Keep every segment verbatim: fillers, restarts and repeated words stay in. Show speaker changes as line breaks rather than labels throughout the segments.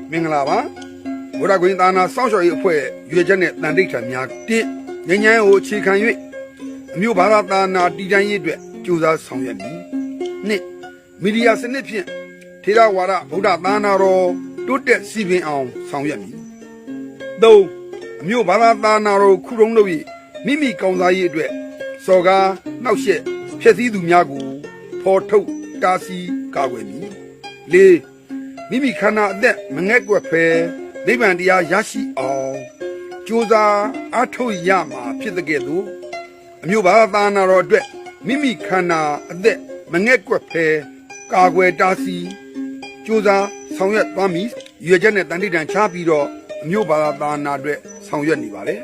မင်္ဂလာပါဘုရားကွင်းသာနာစောင့်ရှောက်ရေးအဖွဲ့ရွေချက်နဲ့တန်တိတ်ထံများတစ်ငញ្ញမ်းကိုအခြေခံ၍အမျိုးဘာသာသာနာတည်တံ့ရေးအတွက်ကြိုးစားဆောင်ရွက်မည်နှစ်မီဒီယာစနစ်ဖြင့်ထေရဝါဒဗုဒ္ဓသာနာတော်တိုးတက်စီပင်အောင်ဆောင်ရွက်မည်သုံးအမျိုးဘာသာသာနာတော်ခုတုံးလို့မိမိကောင်းစားရေးအတွက်စော်ကားနှောက်ယှက်ဖျက်ဆီးသူများကိုဖော်ထုတ်တားဆီးကာကွယ်မည်လေးမိမိခန္ဓာအသက်မငဲ့ကွက်ဖဲနိဗ္ဗာန်တရားရရှိအောင်ကြိုးစားအားထုတ်ရမှာဖြစ်တဲ့ကဲ့သို့အမျိုးဘာသာနာတော်အတွက်မိမိခန္ဓာအသက်မငဲ့ကွက်ဖဲကာကွယ်တားဆီးကြိုးစားဆောင်ရွက်သွားမည်ရွေချက်နဲ့တန်တိတန်ချပြီးတော့အမျိုးဘာသာနာအတွက်ဆောင်ရွက်နေပါတယ်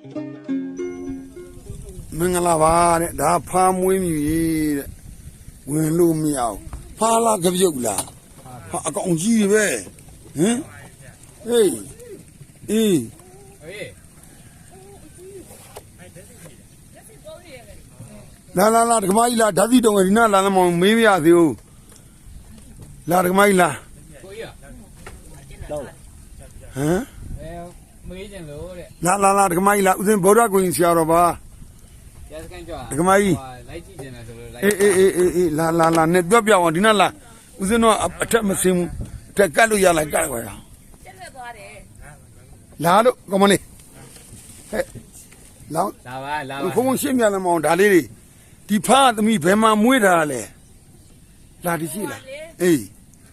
မင်္ဂလာပါတဲ့ဒါဖားမွေးမြူရေးတဲ့ဝင်လို့မရအောင်ဖားလားကြပြုတ်လားဟာအကောင်ကြီးပဲဟမ်ဟေးအေးလာလာလာဒကမကြီးလာဓာတ်စီတုံးဒီနာလာသမောင်မေးမရသေးဘူးလာဒကမကြီးလာကိုကြီးတော့ဟမ်အဲမေးကြလို့တဲ့လာလာလာဒကမကြီးလာဦးစင်ဗုဒ္ဓကိုရင်ဆရာတော်ပါရစကန်ကြွားဒကမကြီးလိုက်ကြည့်နေတယ်ဆိုလို့လိုက်အေးအေးအေးအေးလာလာလာနဲ့ပြောပြအောင်ဒီနာလာဦးစင်းတော့အထက်မစင်းဘူးအထက်ကတ်လို့ရလိုက်ကတ်ခွာရအောင်ကျက်လက်သွားတယ်လာလို့ကောမလေးဟဲ့လောင်းလာပါလာပါဘုံဘုံရှင်းပြလမ်းမအောင်ဒါလေးတွေဒီဖားသမီးဘယ်မှာမွေးတာလဲလာဒီရှိလားအေး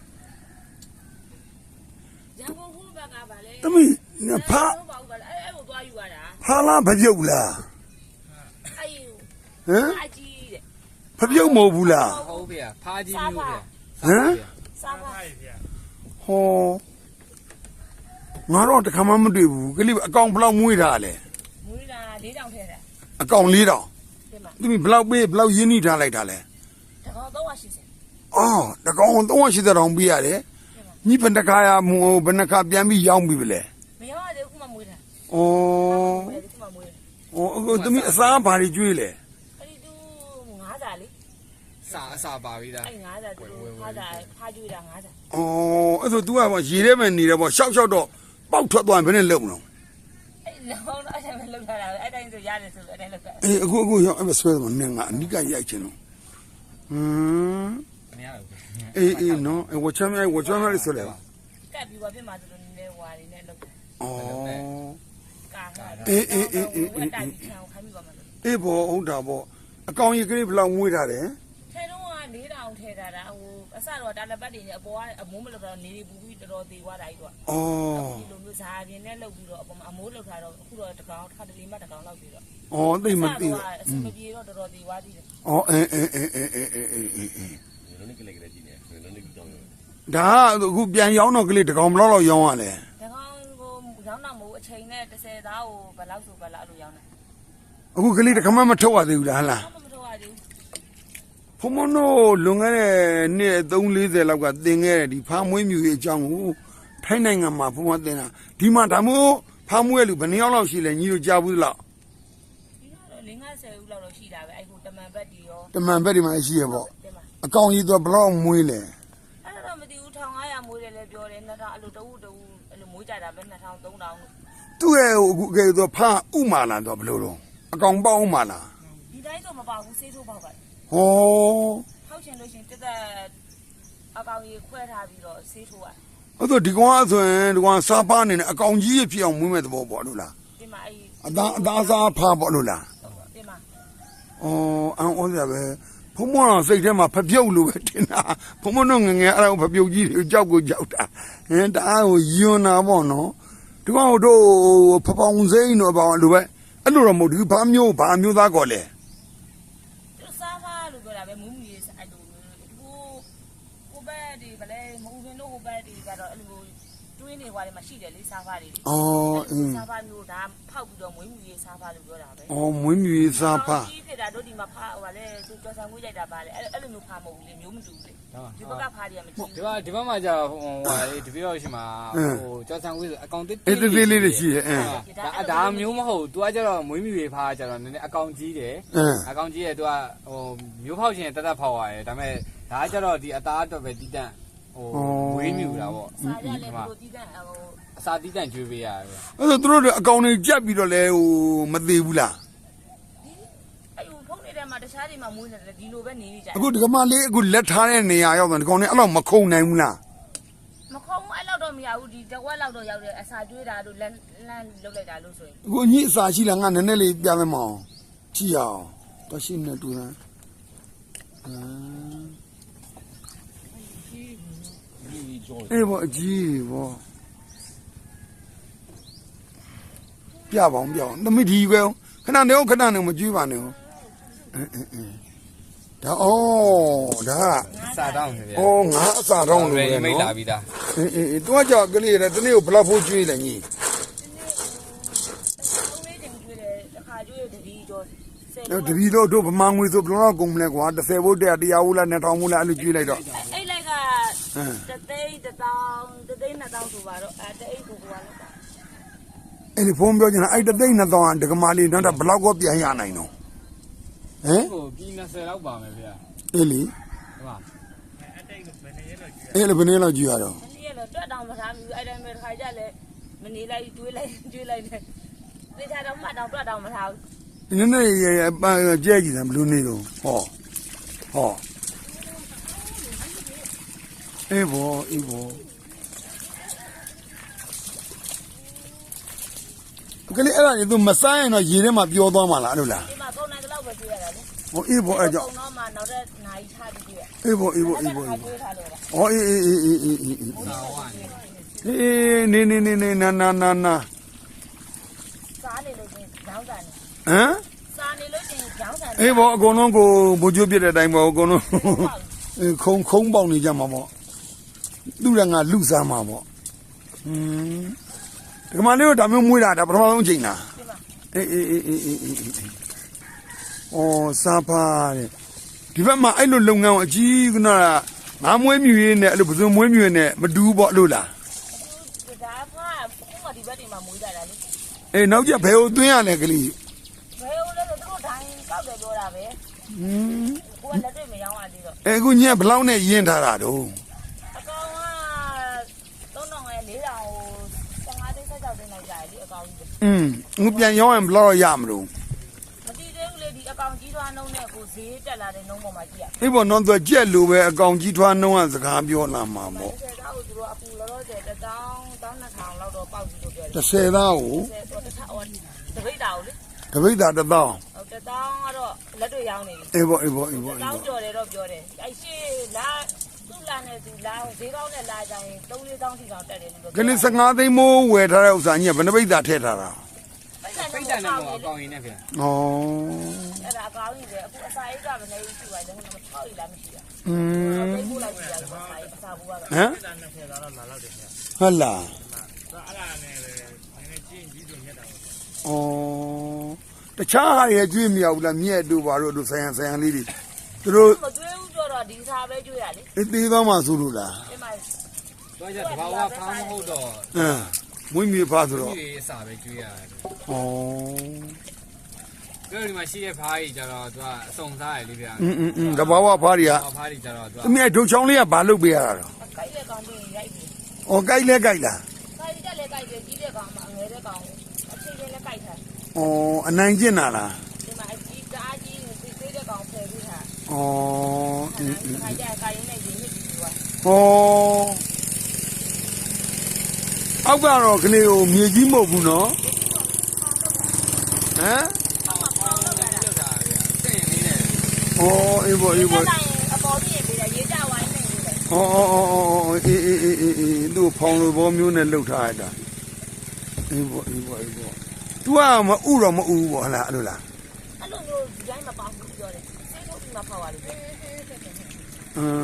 ရန်ကုန်ဟိုဘက်ကပါလေသမီးဖားအဲ့အဲ့ကိုသွားယူရတာဖားလားဖပြုတ်လားအဲ့ဟမ်ဖားကြီးတဲ့ဖပြုတ်မဟုတ်ဘူးလားဟုတ်ဗျာဖားကြီးမျိုးဗျာဟမ်စားပါဟောငါတော့တခါမှမတွေ့ဘူးကလေးအကောင်ဘယ်လောက်မွေးတာလဲမွေးတာ၄တောင်ထဲတာအကောင်၄တောင်ဒီမှာဘယ်လောက်ပေးဘယ်လောက်ရင်းနှီးထားလိုက်တာလဲတကောင်၃၈၀အော်တကောင်၃၈၀တောင်ပေးရတယ်ညီဘယ်နှခါရမူဘယ်နှခါပြန်ပြီးရောင်းပြီလဲမရောရသေးဘူးခုမှမွေးတာဩဩအခုသမီးအစားဘာတွေကျွေးလဲအဲ့ဒီတူငါးစာလေစာအစာပါပြီလားအဲ့ငါးစာတူဖားစာဖားကျွေးတာငါးစာဩအဲ့ဆို तू ကပေါ့ရေထဲမှာနေတယ်ပေါ့ရှောက်ရှောက်တော့ပေါက်ထွက်သွားရင်ဘယ်နဲ့လုံမလို့အဲ့လောင်းတော့အဲ့တိုင်းမလုံထားတာအဲ့တိုင်းဆိုရတယ်ဆိုအဲ့တိုင်းလုံတာအေးအခုအခုရောက်အဲ့မဆွဲတော့နင်ကအနိကရိုက်ချင်တော့ဟမ်မရဘူးအေးအေးနော်ဝချမ်းမြိုက်ဝချမ်းမြိုက်ဆိုလေကတ်ပြီးပါပြမှာဆိုတော့နည်းနည်းဝါနေနဲ့လုံတာဩကာအေးအေးအေးအေးအေးအေးဘောဟုတ်တာပေါ့အကောင်ကြီးကလေးဘယ်လောက်မွေးထားတယ်ထဲတော့က၄တောင်ထဲထားတာဟိုအစတော့တာလက်ပတ်တွေနဲ့အပေါ်ကအမိုးမလောက်တော့နေနေပူပြီးတော်တော်သေးသွားတာကြီးတော့ဩဒီလိုမျိုးဇာပြင်းနဲ့လှုပ်ပြီးတော့အပေါ်မှာအမိုးလောက်ထားတော့အခုတော့တကောင်တစ်ခါတလေမှတကောင်လောက်ပြီးတော့ဩသိမသိဘူးအစမပြေတော့တော်တော်သေးသွားသေးတယ်ဩအဲအဲအဲအဲအဲအဲအဲအဲလုံးနေကလေးကလေးကြီးနေလုံးနေကြောင်းဒါအခုပြန်ရောင်းတော့ကလေးတကောင်ဘယ်လောက်လောက်ရောင်းရလဲတကောင်ကိုရောင်းတော့မဟုတ်အချိန်နဲ့တစ်ဆယ်သားကိုဘယ်လောက်ဆိုဘယ်လောက်လို့ရောင်းတယ်အခုကလေးတခါမှမထုတ်ရသေးဘူးလားဟလားမထုတ်ရသေးဘူးဖုံမနိုးလွန်ခဲ့တဲ့နှစ်၃၄၀လောက်ကသင်ခဲ့တဲ့ဒီဖားမွေးမြူရေးအကြောင်းကိုထိုင်းနိုင်ငံမှာဖုံမသင်တာဒီမှာဒါမို့ဖားမွေးလူဘယ်နှယောက်လောက်ရှိလဲညီတို့ကြားဘူးလားဒီတော့၄၅၀ဦးလောက်တော့ရှိတာပဲအဲ့ဟိုတမန်ဘက်တီရောတမန်ဘက်ဒီမှာရှိရပေါ့အကောင်ကြီးတော့ဘယ်လောက်မွေးလဲအဲ့တော့မသိဘူး၁၅၀၀မွေးတယ်လည်းပြောတယ်၂ထောင်အဲ့လိုတဝူတဝူအဲ့လိုမွေးကြတာပဲ၂ထောင်၃ထောင်သူ့ရဲ့အခုကဲတော့ဖားဥမာလာတော့ဘယ်လိုတော့အကောင်ပေါက်ဥမာလားဒီတိုင်းတော့မပေါဘူးဆေးထိုးပေါက်ပါဟောဖောက်ချင်လို့ရှင်တက်တက်အကောင်ကြီးခွဲထားပြီးတော့ဆေးထိုးရအဲ့တော့ဒီကောင်ဆိုရင်ဒီကောင်စားပါနေတယ်အကောင်ကြီးဖြစ်အောင်မွေးမဲ့သဘောပေါ့လို့လားဒီမှာအဲ့အသားအသားစားဖားပေါ့လို့လားဒီမှာအော်အန်ဩစရာပဲဘုံမောင်စိတ်ထဲမှာဖပြုတ်လို့ပဲတင်တာဘုံမတို့ငငယ်အဲ့ဒါဖပြုတ်ကြီးတွေကြောက်ကိုကြောက်တာဟင်တအားကိုယွန်းတာပေါ့နော်ဒီကောင်တို့ဖပောင်စိမ့်တော့ပေါ့လို့ပဲအဲ့လိုတော့မဟုတ်ဘူးဘာမျိုးဘာမျိုးသားကောလဲသူစားဖားလို့ပြောတာပဲမူးမူရေးအဲ့လိုဟိုဟိုဘက်ဒီဗလဲမူးရင်တို့ဟိုဘက်ဒီကတော့အဲ့လိုတွင်းနေွားတယ်မှာရှိတယ်လေစားဖားတွေလေအော်အင်းစားဖားမျိုးဒါဖောက်ပြီးတော့မွေးမူရေးစားဖားလို့ပြောတာပဲအော်မွေးမူရေးစားဖားကြီးဖြစ်တာတို့ဒီမှာဖားဟိုဗလဲသူကြော်ဆန်ငွေးလိုက်တာပါလေအဲ့အဲ့လိုမျိုးဖားမဟုတ်ဘူးလေမျိုးမတူဘူးလေဒီဘက်ကဖားတွေကမကြည့်ဘူးဒီဘက်ဒီဘက်မှာကြာဟိုဟာလေဒီဘက်ရောက်ရှိမှာဟိုကြော်ဆန်ငွေးဆိုအကောင်တစ်တစ်လေးလေးရှိတယ်အင်းဒါဒါမျိုးမဟုတ်သူကကျတော့မွေးမြူရေးဖားကျတော့နည်းနည်းအကောင်ကြီးတယ်အကောင်ကြီးရဲ့သူကဟိုမျိုးဖောက်ရှင်တက်တက်ဖောက်ရတယ်ဒါပေမဲ့ဒါကကျတော့ဒီအသားအတွက်ပဲတီးတန့်ဟ
ဝေးမြူတာပေါ့
စားကြလဲဘလို့တီးတဲ့ဟို
အစာတီးတန့်ကျွေးပေးရတယ်
အဲ့ဒါသူတို့အကောင်တွေကြက်ပြီးတော့လဲဟိုမသေးဘူးလား
အဲ့ဟိုဖုန်းနေတဲ့မှာတခြားတွေမှာမွေးနေတယ်ဒီလိုပဲနေနေကြ
အခုဒီကမလေးအခုလက်ထားတဲ့နေရာရောက်တယ်ဒီကောင်တွေအဲ့လောက်မခုံနိုင်ဘူးလား
မခုံအဲ့လောက်တော့မရဘူးဒီတဝက်လောက်တော့ရောက်တယ်အစာကျွေးတာတို့လမ်းလမ်းလုတ်လိုက်တာလို့ဆိုရင်
အခုအကြီးအစာရှိလားငါနည်းနည်းလေးပြမယ်မအောင်ကြည့်အောင်တော့ရှင်းနေတူလားအေးဘောအကြီးဘောပြပါအောင်ပြအောင်သမီးဒီပဲခဏနေခဏနေမကြွေးပါနဲ့အင်းအင်းအင်းဒါဩဒါ
စာတောင်းနေဗျာ
ဩငါအစာတောင်းလို့
မိ
ပဲ
တ်လာ
နော်
ပြီးသား
အေးအေးတွားကြကလေးရတနေ့ကိုဘလောက်ဖို့ကြွေးလဲညီ
သုံးလေးချိန်ကျွေးတယ်တစ်ခါကျွေးတတိကျော်ဆယ်
တော့တပီတော့တို့ဗမာငွေဆိုဘယ်လောက်ကုန်မလဲကွာ30ဘုတ်တရားတရားဘူးလား2000ဘူးလားအဲ့လိုကြွေးလိုက်တော့
အဲ့လိုက်ကတသိန်းတစ်တောင်းတသိန်းနှစ်တောင်းဆိုပါတော့အဲတအိတ်ကိုကွာလောက်ပါ
အဲ့ဒီဖုန်းပြောချင်တာအဲ့တသိန်းနှစ်သောင်းဒကမာလေးတော့ဘလောက်ကိုပြန်ရနိုင်တော့ဟမ်
ဟိုပြီး20လောက်ပါမယ်ဗျာ
အေးလီ
ဟုတ်ပါ
အဲ့လိုဘယ်နည်းလောက်ကြည့်ရတော့
မနေ့ကတော့တွက်တောင်မထားဘူးအဲ့တိုင်းပဲတစ်ခါကြလဲမနေလိုက်ကျွေးလိုက်ကျွေးလိုက်တယ်တေချာတော့မှတ်တော့တွက်တောင်မထားဘူး
နည်းနည်းရပန်းကြဲကြည့်တယ်ဘလို့နေတော့ဟောဟောအေးဘောအေးဘောကလေးအဲ့ဒါကြီးသူမဆိုင်ရင်တော့ရေထဲမှာပျော်သွားမှာလားအဲ့လိုလား
ဒီမှာကုန်နိုင်တဲ့လောက်ပဲကျွေးရတာလေ
ဟောအေးဘောအဲ့ကြောင့်
ကုန်တော့မှနောက်တဲ့နိုင်ချပြီးကျွေးရ
အေးဘောအေးဘောအေးဘော
ကျွေးထားလို့လား
ဟောအေးအေးအေးအေးအေးအေး
စာဝိုင်း
အေးနေနေနေနေနာနာနာနာ
စားနေလို့ချင်းကြောင်းစားနေ
ဟမ်
စားနေလို့ချင်းကြောင်းစားနေ
အေးဘောအကုန်လုံးကိုဘိုးကျိုးပြတဲ့အတိုင်းပေါ့အကုန်လုံးအေးခုံခုံပေါက်နေကြမှာပေါ့သူ့ရငါလူစားမှာပေါ့อืมဒီမှာလေးတော့ဒါမျိုးမွေးတာဒါပထမဆုံးအချိန်လား
ဒီမှာ
အေးအေးအေးအေးအေးအေးအေးအော်စားပါတဲ့ဒီဘက်မှာအဲ့လိုလုပ်ငန်းကိုအကြီးကနာငါမွေးမြူရေးနဲ့အဲ့လိုပစုံမွေးမြူရေးနဲ့မတူဘူးပေါ့လို့လား
အခုဒါကခုမှဒီဘက်တွေမှာမွေးကြတာလေ
အေးနောက်ကျဘယ်ကိုသွင်းရလဲကလေး
ဘယ်လိုလဲဆိုသူတို့ဒိုင်းကောက်တယ်ပြောတာပဲ
อืม
ကိုကလက်တွေ့မရောင်းရသေးတော့
အဲအခုညက်ဘလောက်နဲ့ရင်းထားတာတော့
အကောင်ကသုံးတောင်နဲ့လေးတောင်ကို15သိန်းဆက်ကြောက်သိန်းလိုက်ကြတယ်ဒီအကောင်ကြီး
อืมငါပြန်ရောင်းရင်ဘလောက်ရမလို့
မတည်သေးဘူးလေဒီအကောင်ကြီးထွားနှုံးနဲ့ကိုဈေးတက်လာတဲ့နှုံးပေါ်မှာကြည့်ရ
အေးပေါ့နော်သူကြက်လိုပဲအကောင်ကြီးထွားနှုံးကစကားပြောလာမှာပေါ့
ဆယ်သားကိုသူတို့အခုလောလောဆယ်တစ်တောင်းတောင်းနှစ်ထောင်လောက်တော့ပေါက်ကြည့်လို့ပြောတယ်
30သားကို
ဆယ်တော့တစ်ထောင်ဟိုတပိတ်တာကိုလေ
တပိတ်တာတစ်သောင်း
ဟိုတစ်တောင်းကတော့လက်တွေ့ရောင်းနေပြီ
အေးပေါ့အေးပေါ့အေးပေါ့အေး
တောင်း
ပေါ့
ကြော်တယ်တော့ပြောတယ်အဲ့ရှေ့လာသူ့လာနဲ့သူလာဈေးကောင်းနဲ့လာကြရင်သုံးလေးတောင်းစီတောင်းတက်တယ်လို့ပြော
ကလေး15သိန်းမိုးဝယ်ထားတဲ့ဥစ္စာညက်ဘယ်နှပိတ်တာထည့်ထားတာ
ပိတ်
ပိ
တ
တ်
ယ်
တန်
နဲ့
တော့အကောင်ရင်းနဲ့ဗျာ
ဩ
အဲ့ဒါအကောင်းကြီးပဲအခုအစာအိတ်ကမနေရှိပါဘူးဟိုမှာထောက်ရည်လားမရှိဘူး
อืม
ပိတ်ဖို့လိုက်ကြည့်ရတယ်အစာအိတ်အစာဘူးကတော့
ဟမ်ဟုတ်လားဩတခြားဟာတွေကျွေးမရဘူးလားမြက်တို့ဘာတို့တို့ဆိုင်ရန်ဆိုင်ရန်လေးတွေသူတို့
မကျွေးဘူးပြောတော့ဒီစာပဲကျွေးရလေ
အသေးသွားမှဆိုလို့လား
ဒီမှာ
တော့ကျတဘာဝဖောင်းမဟုတ်တော့
အင်းမွေးမြူဖားဆိုတော့
ဒီအစာပဲကျွေးရတယ်
ဩ
ပြောဒီမှာရှိတဲ့ဖားကြီးကျတော့သူကအစုံစားရလေဗျာ
อืมอืมอืมတဘာဝဖားတွေက
ဖားကြီးကျတော့သူ
သမီးဒုတ်ချောင်းလေးကဘာလုပ်ပေးရတာတော့
ကိုက်တဲ့ကောင်တွေရိုက်ပြီ
ဩကြိုက်လဲကြိုက်လား
ကိုက်တက်လဲကိုက်တယ်ကြီးတဲ့ကောင်မှငယ်တဲ့ကောင်အချိန်ချင်းလဲကိုက်ထား
ဩအနိုင်ကျင့်တာလား
ဒီမှာအကြီးတအားကြီးသိသေးတဲ့ကောင်ဖယ်ပြီးထား
ဩအင်းအင်း
ခါကြကိုက်ရင်းနဲ့ရင်းမြစ်ပြီးသွား
ဩအောက်ကတော့ကလေးကိုမြေကြီးမဟုတ်ဘူးနော်ဟမ်
အောက်မှာပေါင်းလောက်တာ
လောက်တာဗျာစင်ရင်းလေးနဲ့
ဩအေးဘောအေးဘော
ဒီတိုင်းအပေါ်ပြည့်ပြီးရေးကြဝိုင်းနေတယ်
ဩဩဩဩအေးအေးအေးအေးအေးသူ့ဖောင်လိုဘောမျိုးနဲ့လှုပ်ထားရတာအေးဘောအေးဘောအေးဘော तू ကမဥတော့မဥဘူးပေါ့ဟလားအဲ့လိုလား
အဲ့လိုမျိုးဒီတိုင်းမပေါင်းဘူးပြောတယ်စေးထုတ်ပြီးမှဖောက်ပါလိမ့်မယ်
အင်း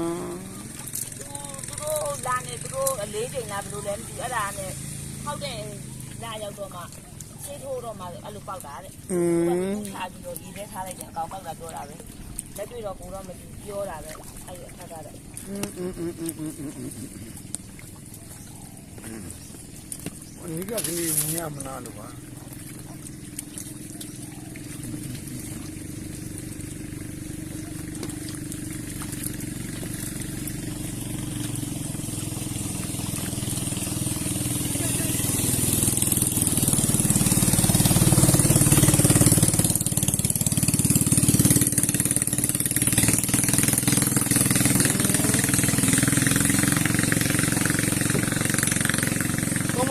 သူတို့လာနေသူတို့အလေးချိန်လားဘယ်လိုလဲမသိဘူးအဲ့ဒါနဲ့ဟောက်တဲ့လာရောက်တော့မှစေးထိုးတော့မှအဲ့လိုပေါက်တာတဲ့
อืม
ထားပြီးတော့ဒီထဲထားလိုက်တယ်အကောင်ပေါက်တာပြောတာပဲလက်တွေ့တော့ကိုတော့မသိပြောတာပဲအဲ့ရခက်တာတဲ့
อืมอืมอืมอืมอืมอืมอืมဒီကကလေးမြင်မလားလို့ပါ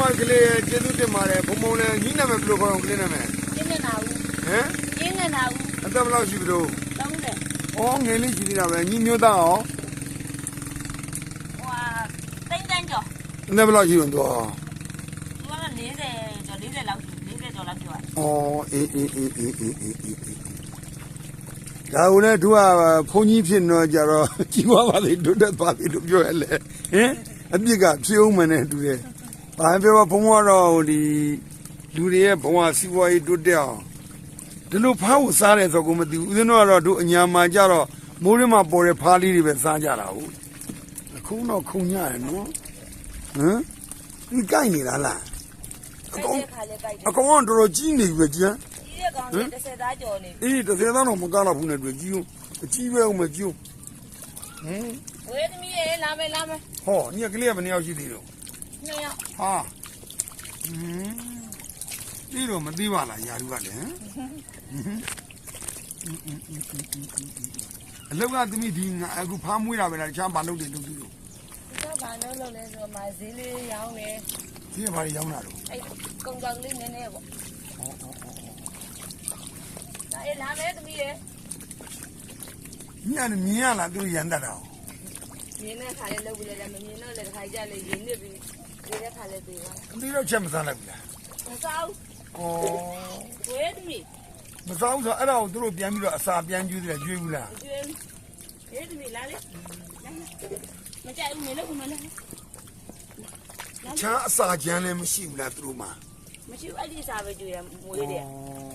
မကလေးကျေးဇူးတင်ပါတယ်ဘုံဘုံလည်းညီနာမည်ဘယ်လိုခေါ်အောင်ကလေးနာမည်
ကျင်းနေတာဦး
ဟမ်
ကျင်းနေတာဦး
အသက်ဘယ်လောက်ရှိပြီလို့
သုံးတယ်
ဩငယ်လေးရှိသေးတာပဲညီမျိုးသားရော
ဟိုဟာတိတ်တန်းကျော်
အသက်ဘယ်လောက်ရှိလို့တော့
သူက၄၀ကျော်၄၀လောက်၄၀ကျော်လောက်ပြော
ဩ
တာ
အေးအေးအေးအေးအေးအေးအေးဒါဦးလည်းသူကဘုန်းကြီးဖြစ်တော့ကြတော့ကြီးပွားပါသေးတိုးတက်ပါသေးလို့ပြောရလေဟင်အပြစ်ကဖြေအောင်မနဲ့တူတယ်ဘာပြောဘုံကတော့ဒီလူတွေရဲ့ဘဝစီးပွားရေးတိုးတက်အောင်ဒီလိုဖားကိုစားတယ်ဆိုကိုမသိဘူးဦးဇင်းတို့ကတော့တို့အညာမှာကြတော့မိုးရင်းမှာပေါ်တဲ့ဖားလေးတွေပဲစားကြတာဟုတ်အခုတော့ခုံညရနော်ဟမ်ဒီကြိုက်နေတာလားအကောင်
ခါလေးကြိုက်တယ်
အကောင်ကတော်တော်ကြီးနေပြီကြမ်း
ကြီးတဲ့ကောင်လေးတစ်ဆယ်သားကျော်နေ
အေးတစ်ဆယ်သားတော့မကားတော့ဘူးနဲ့တွေ့ကြီးဦးအကြီးပဲအောင်မကြီးဦးဟမ်
ဝေးသမီးရေလာမယ်လာမယ်
ဟောညကလေးကဘယ်နှယောက်ရှိသေးလို့
နှစ်ယောက်
ဟာဟမ်ဒီတော့မသိပါလားယာရုကလည်းဟမ်အလောက်ကသမီးဒီငါအခုဖားမွေးတာပဲလားတခြားဘာလုပ်တယ်လုပ်သူလို့
သူကဘာလို့လုပ်လဲဆိုတော့မဈေးလေးရောင်းနေ
ဒီကဘာတွေရောင်းတာတော့
အဲ့ကုံကြောင်လေးနည်းနည်းပေါ့ဒါအေးလာမယ်သမီးရေ
ညနေမြင်ရလားသူရန်တတ်တာ
မြင်းတဲ့ခါလေးလုပ်ပြီးလဲမမြင်တော့လည်းတစ်ခါကြလေရင်းနစ်ပြီးဒီတဲ့ခါလေးပြေးသွား
အသေးတော့ချက်မစားလိုက်ဘူးလား
မစားဘူး
ဩ
ဝေးသမီး
မစားဘူးဆိုအဲ့ဒါကိုသူတို့ပြန်ပြီးတော့အစာပြန်ကျွေးတယ်ကျွေးဘူးလား
ကျွေးဝေးသမီးလာလေမကြိုက်ဘူးမလုပ်ဘူးမလုပ်
ချားအစာကြမ်းလည်းမရှိဘူးလားသူတို့မှာ
မရှိဘူးအဲ့ဒီစားပဲကျွေးရမွေးတယ်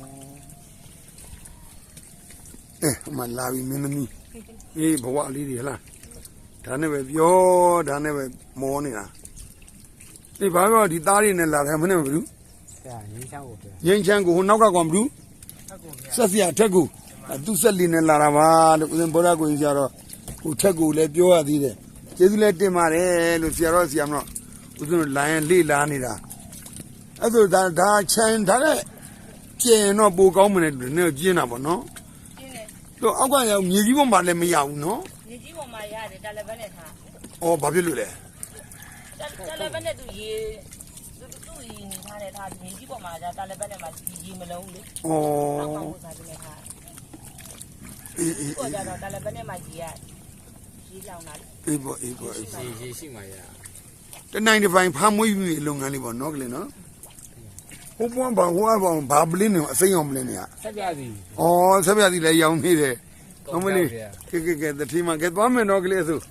အဲမလာပြီမင်းသမီးအေးဘဝလေးတွေဟလားဒါနဲ့ပဲပြောဒါနဲ့ပဲမောနေတာဒီဘာပြောဒီသားတွေနဲ့လာတယ်မနဲ့မဘူး
ဆရာငင်းချောင်းကိုပြော
ငင်းချမ်းကိုဟိုနောက်ကကောင်မဘူးဆက်စရာထက်ကူသူဆက်လီနဲ့လာတာပါလို့ဦးဇင်ဘောရကိုကြီးကြတော့ဟိုထက်ကူလည်းပြောရသေးတယ်ကျေးဇူးလည်းတင်ပါတယ်လို့ဆရာတော်ဆရာမတော့ဦးဇင်တို့လိုင်းလေးလာနေတာအဲ့ဒါဒါဒါချမ်းဒါနဲ့ကျင်တော့ပိုကောင်းမနေတယ်နည်းကျင်းတာပေါ့နော်
ကျင်းတယ်
တော့အောက်ကရောက်မြေကြီးပေါ်မှာလည်းမရဘူးနော်
မြေကြီးပေါ်မှာရတယ်တယ်လီဖုန်းနဲ့ထား
။အော်ဘာဖြစ်လို့လဲ
တယ်လီဖုန်းနဲ့သူရေသူသူ့ရေနေထားတယ်ထားမြေကြီးပေါ်မှာဒါတယ်လီဖုန်းနဲ့မှာရေမလုံးလေ
။အော်
အောက်ကောင်စားနေထား
အေးအေး
ကိုကြတော့တယ်လီဖုန်းနဲ့မှာရေရရေလောင်တာလေ
အေးပေါ့အေးပေါ့အေးပေါ့
ရေရေရှိမှရ
တနိုင်တစ်ပိုင်းဖမ်းမွေးပြီးလုပ်ငန်းလေးပေါ့နော်ကလေးနော်ဟိုပွန်းဘာဟိုအဘောင်ဘာပလင်းနေအစိမ်းအောင်ပလင်းနေရ
ဆက်ပြစီ
အော်ဆက်ပြသည်လည်းရောင်းနေတယ်ဟုတ်မလေးကဲကဲကဲတတိမကဲသွားမယ်နော်ကလေးဆို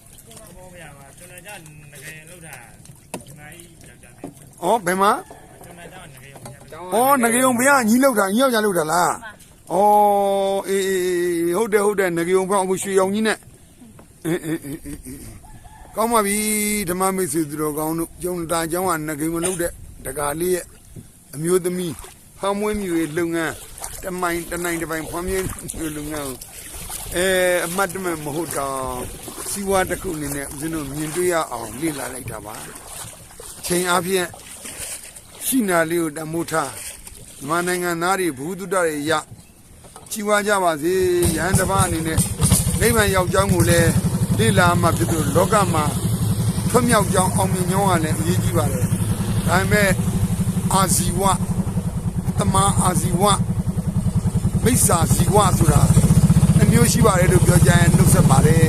အော်ဘယ်မှာအော်ငရေုံဘုရားညီလောက်တာညီယောက်ကြလောက်တာလားအော်အေးအေးဟုတ်တယ်ဟုတ်တယ်ငရေုံဘုရားအခုရွှေရောင်ကြီးနဲ့အေးအေးအေးအေးကောင်းပါပြီဓမ္မမိတ်ဆွေသူတော်ကောင်းတို့ကျုံတာเจ้าကငရေုံမလုပ်တဲ့တကာလေးရဲ့အမျိုးသမီးဖမ်းမွေးမြူရေးလုပ်ငန်းတမိုင်တနိုင်တစ်ပိုင်းဖမ်းမွေးမြူလုပ်ငန်းအဲအမှတ်တမဲ့မဟုတ်တော့စီဝါတစ်ခုအနေနဲ့ဦးဇင်းတို့မြင်တွေ့ရအောင်လေ့လာလိုက်တာပါချိန်အားဖြင့်ရှိနာလေးကိုတမိုးထားမြန်မာနိုင်ငံသားတွေဘူးတုတ္တတွေရကြီးဝါကြပါစေရဟန်းတစ်ပါးအနေနဲ့နိဗ္ဗာန်ရောက်ကြောင်းကိုလည်းလေ့လာမှဖြစ်သူလောကမှာထွတ်မြောက်ကြောင်းအောင်မြင်ကြောင်းကလည်းအရေးကြီးပါတယ်ဒါပေမဲ့အာဇီဝတမန်အာဇီဝမိစ္ဆာဇီဝဆိုတာအမျိုးရှိပါတယ်လို့ပြောကြရင်နှုတ်ဆက်ပါတယ်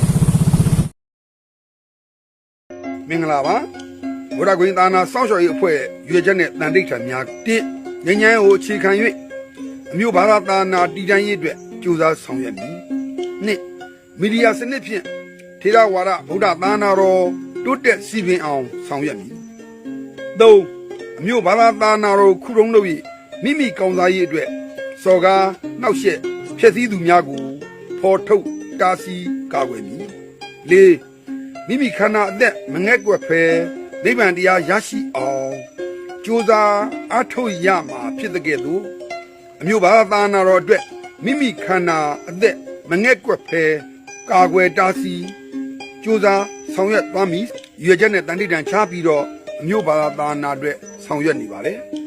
မင်္ဂလာပါဘုရားကွင်သာနာစောင့်ရှောက်ရေးအဖွဲ့ရွေချက်နဲ့တန်တိတ်ထံများတစ်ငញ្ញမ်းကိုအခြေခံ၍အမျိုးဘာသာသာနာတည်တံ့ရေးအတွက်ကြိုးစားဆောင်ရွက်မည်နှစ်မီဒီယာစနစ်ဖြင့်ထေရဝါဒဗုဒ္ဓသာနာတော်တိုးတက်စီပင်အောင်ဆောင်ရွက်မည်သုံးအမျိုးဘာသာသာနာတော်ခုတုံးလို့မိမိကောင်းစားရေးအတွက်စော်ကားနှောက်ယှက်ဖျက်ဆီးသူများကိုဖော်ထုတ်တားဆီးကာကွယ်မည်လေးမိမိခန္ဓာအသက်မငဲ့ကွက်ဖဲနိဗ္ဗာန်တရားရရှိအောင်ကြိုးစားအားထုတ်ရမှာဖြစ်တဲ့ကဲ့သို့အမျိုးဘာသာသာနာတော်အတွက်မိမိခန္ဓာအသက်မငဲ့ကွက်ဖဲကာကွယ်တားဆီးကြိုးစားဆောင်ရွက်သွားမည်ရွေချက်နဲ့တန်တိတန်ချပြီးတော့အမျိုးဘာသာသာနာအတွက်ဆောင်ရွက်နေပါလေ